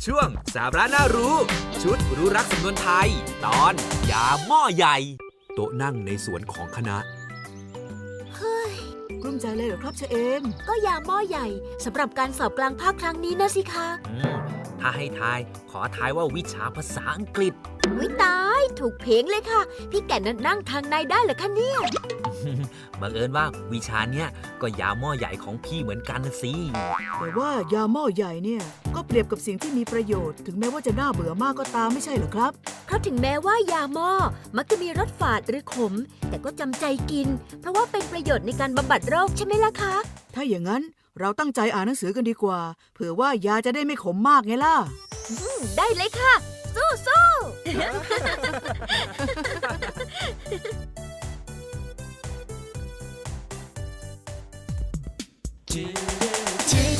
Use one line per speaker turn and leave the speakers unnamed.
ช่วงสาระน่ารู้ชุดรู้รักสำนวนไทย ตอนยาหม้อใหญ่โต๊ะนั่งในสวนของคณะ
กลุ้มใจเลยเหรอครับเชเอม
ก็ยาหม้อใหญ่สำหรับการสอบกลางภาคครั้งนี้นะสิคะ
ถ้าให้ทายขอทายว่าวิชาภาษาอังกฤษ
วิตายถูกเพลงเลยค่ะ พี่แก่นนั้นนั่งทางในได้เหรอคะเนี่ย
บังเอิญว่าวิชาเนี้ยก็ยาหม้อใหญ่ของพี่เหมือนกันนะสิ
แต่ว่ายาหม้อใหญ่เนี่ยก็เปรียบกับสิ่งที่มีประโยชน์ถึงแม้ว่าจะน่าเบื่อมากก็ตามไม่ใช่เหรอครับ
เพราะถึงแม้ว่ายาหม้อมักจะมีรสฝาดหรือขม แต่ก็จำใจกิน เพราะว่าเป็นประโยชน์ในการบำบัดโรคใช่ไหมล่ะคะ
ถ้าอย่างนั้นเราตั้งใจอ่านหนังสือกันดีกว่า เผื่อว่ายาจะได้ไม่ขมมากไงล่ะ
ได้เลยค่ะ สู้สู้
Today